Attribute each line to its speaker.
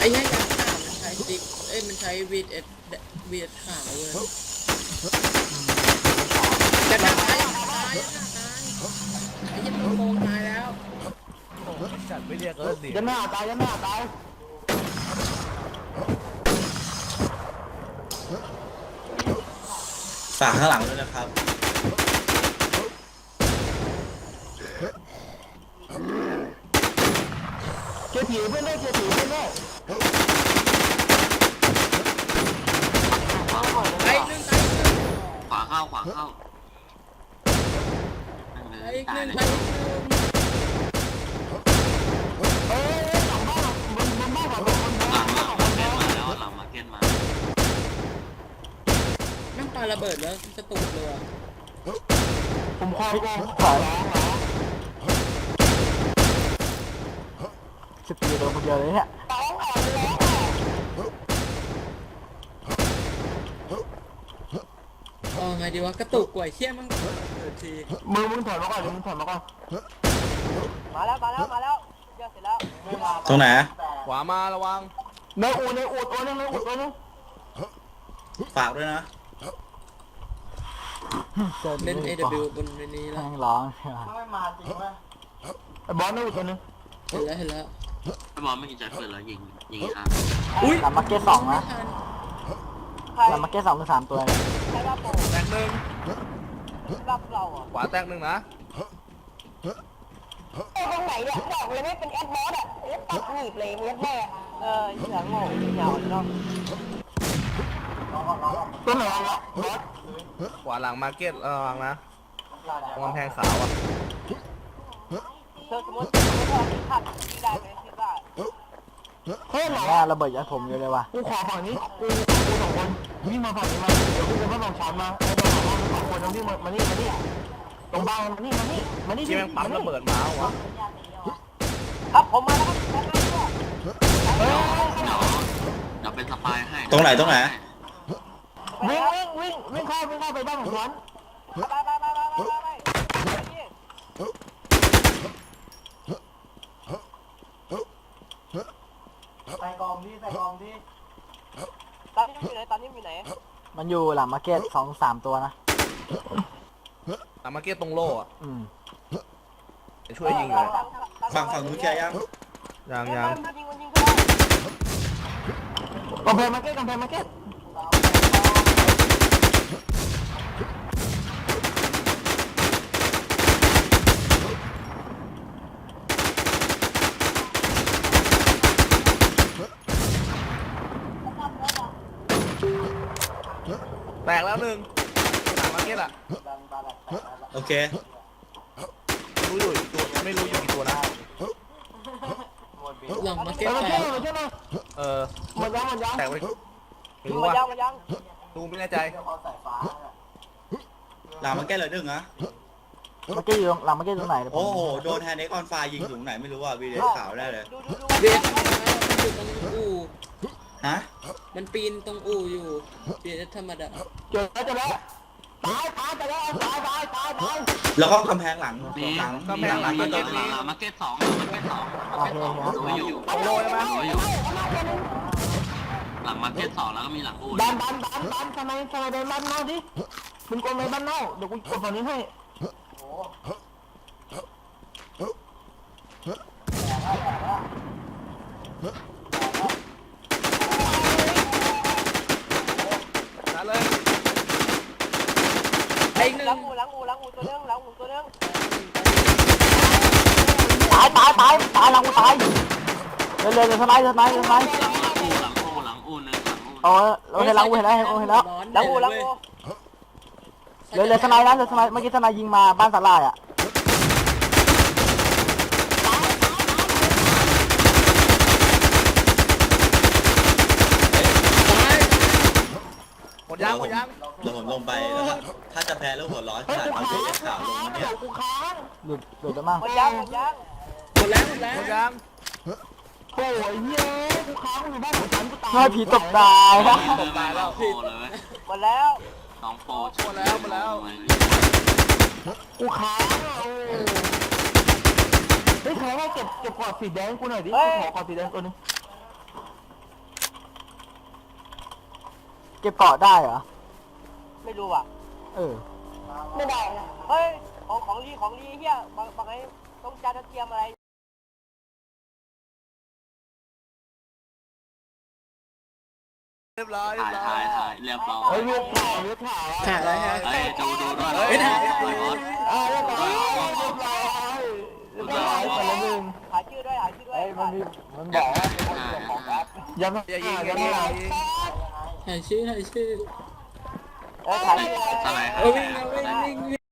Speaker 1: อ้เหี้ยยาขาวมันใช้ติ๊กมันใช้วีดขาวเลยจะตายไอ้เหี้ยโกงตายแล้ว
Speaker 2: จัดไม่เรียกก็เสีย
Speaker 3: ยันหน้าตายยันหน้าตาย
Speaker 4: ฝากข้างหลังด้วยนะครับ
Speaker 3: เกียร์ผีเพื่อนได้เกียร์ผีเพื่อนได้
Speaker 1: ไอ้หนึ่งตายหนึ่ง
Speaker 5: ขวาเข้าขวาเข้า
Speaker 1: ไอ้หนึ่ง
Speaker 5: เล
Speaker 1: ตาย
Speaker 5: ย
Speaker 1: หนึ่ง
Speaker 3: หลังบ้านบนบ้านของคน
Speaker 5: หลังมาเก็ตมาแล้วหลังมาเก็ตมา
Speaker 1: แม่งปาระเบิดแล้วกระตุกเลย
Speaker 3: ผมคอยขอ14 ตัวคนเดียวเลยเนี่ย
Speaker 1: ไงดีวะกระตุกกว่าเชี่ยมั่งที
Speaker 3: มึงถอยมาก่อนมึงถอยมาก่อนมาแล้วเยอะเสร็จแล้ว
Speaker 4: ตรงไหน
Speaker 2: ขวามาระวัง
Speaker 3: ในอูดตัวนึงตัวนึง
Speaker 4: ฝากด้วยนะ
Speaker 1: เล่น AW บนนี้แล้ว
Speaker 3: แม่งร้องไม่มาจริงวะไอ้บอลในอูดตัวนึง
Speaker 1: เห็นแล้ว
Speaker 5: ถ้าบอลไม่กินใจเปิดแล้วยิงครับ
Speaker 1: อุ้ย
Speaker 3: ลำมาเก็ต2นะลำมาเก็ต2เป็น3ตัวเลย
Speaker 2: แตกหนึ่ง
Speaker 3: รับเราอ่ะ
Speaker 2: ขวาแตกหนึ่งนะ
Speaker 6: ไอ้ตรงไหนเนี่ยบอกเลยไม่เป็นแอดบอสอ่ะเล็บตัดหนีบเลยเล็บแม่
Speaker 3: เสียงโง่ยาวเนาะตัวไหนวะบอส
Speaker 2: ขวาหลังมาร์เก็ตระวังนะตรงกำแพงขาวอ่ะ
Speaker 6: เธอสมมติว่ามีขัดที่ได้ไหมคิดว่า
Speaker 3: เฮ้ยแม่ระเบิดยัดผมอยู่เลยว่ะกูขอฝั่งนี้กู2 คนวิ่งมาฝั่งนี้มาเดี๋ยวกูจะมาฝั่งฉันมาไอ้ตัว2 คนต้องวิ่งมานี่ตรงบ้านมานี่
Speaker 2: ที่แม่งปั๊มระเบิดมาวะ
Speaker 6: ครับผมมาแล้วครับ
Speaker 5: เดี๋ยวเป็นสปายให้
Speaker 4: ตรงไหน
Speaker 3: วิ่งเข้าไปบ้านของฉัน ไปกองที่
Speaker 6: ตอนนี้อยู่ไหน
Speaker 3: มันอยู่หลังมาร์เก็ต2-3 ตัวนะ
Speaker 2: หลังมาร์เก็ตตรงโล่อะ
Speaker 3: Ừ.
Speaker 2: ช่วยยิงเลย
Speaker 4: ฝั่งนู้นเคลียร์ยัง
Speaker 2: ยัง
Speaker 6: มันยิง
Speaker 3: กำแพงมาร์เก็ต
Speaker 2: แตกแล้วหนึ่งหลังมาร์เก็ตอ่ะ
Speaker 4: โอเค
Speaker 2: รู้อยู่กี่ตัวไม่รู้อยู่กี่ตัวนะ
Speaker 1: หลังมาเก็ต
Speaker 3: มา
Speaker 1: แต
Speaker 3: เก็ต
Speaker 1: ก
Speaker 3: มาเก็ตมา
Speaker 2: หมดยัง
Speaker 3: แตกไป
Speaker 2: ไม่รู้ว่า
Speaker 6: มันยัง
Speaker 2: ดูไม่แน่ใจ
Speaker 4: หลังมาแก้เลยดึงนะ
Speaker 3: มาร์เก็ตอยู่หลังมาร์เก็ตตรงไหน
Speaker 4: โอ้โห โดนแฮนด์เอ็กออนไฟยิงถึงไหนไม่รู้อ่ะวีเดสขาวได้เลย
Speaker 1: เบียดมันอยู่ตรงอู่
Speaker 4: ฮะ
Speaker 1: มันปีนตรงอู่อยู่เบียดธรรมดา
Speaker 3: เจอแล้วตายไปแล้วตาย
Speaker 4: แล้วก็กำแพงหลัง
Speaker 5: นี่
Speaker 4: หลัง
Speaker 5: หลังมาเก็ตหลังมาเก็ต2
Speaker 3: โอเคครับ
Speaker 5: ดูอยู่
Speaker 2: ตรงโล่ใช่ไหม
Speaker 5: ดูอยู่หลังมาเก็ต2แล้วก็มีหลังอู่
Speaker 3: ดันทำไมเดินบ้านนอกดิมึงกดไปบ้านนอกเดี๋ยวกูกดฝั่งนี้ให้
Speaker 2: นั่นเลย
Speaker 1: ไอ้หนึ่ง
Speaker 6: หลังอูตัวนึง
Speaker 3: ตายหลังกูตายเลยสไลด์
Speaker 5: หลังอู่หลังอู่นึงหลังอู่
Speaker 3: โอ้เห็นแล้วเห็นแล้ว
Speaker 6: หลังอู
Speaker 3: เลยสไลด์นะเลยสไลด์เมื่อกี้สไลด์ยิงมาบ้านสลายอ่ะ
Speaker 2: หมดยัง
Speaker 4: เดี๋ยวผมลงไปนะครับถ้าจะแพ้แล้วหัวร้อนขนาดวีเดสขาวลงมาเนี่ย
Speaker 3: หลุดแล้วมั้ง
Speaker 6: หมดยัง
Speaker 1: หมดแล้ว
Speaker 2: หมดยัง
Speaker 3: โอ้ยเย้กูค้างอยู่บ้านของฉันกูตายผีตกตาย
Speaker 5: เดินมาแล้วโปรเลย
Speaker 6: หมดแล้ว
Speaker 5: 2 โปร
Speaker 2: หมดแล้ว
Speaker 3: กูค้างเฮ้ยใครให้เก็บกอดสีแดงกูหน่อยดิขอกอดสีแดงตัวนึงเก็บเกาะได้เหรอ
Speaker 6: ไม่รู้ว่ะ
Speaker 3: เออ
Speaker 6: ไม่ได้นะเฮ้ยของลีเฮียบางไอ้ต้องจานเตรียมอะไร
Speaker 2: เรียบร้อย
Speaker 5: ถ่ายเรียบร้อย
Speaker 3: เฮ้ยเลือดขาวเลือดขาว
Speaker 1: ถ่ายอะไรฮะ
Speaker 5: เฮ้ยดูด้วย
Speaker 1: เฮ้ยถ่าย
Speaker 5: เรียบร้อย
Speaker 3: เรียบร้อยเรียบร้อยคนละหนึ่ง
Speaker 6: หาชื่อด้วยหาชื่อด้วย
Speaker 3: มันบอกว่าย้ำ
Speaker 2: อย่ายิง
Speaker 3: ย้ำ
Speaker 1: ถ่ายชื่อ
Speaker 6: ถ่ายชื่อ
Speaker 5: อะไร
Speaker 1: เออวิ่ง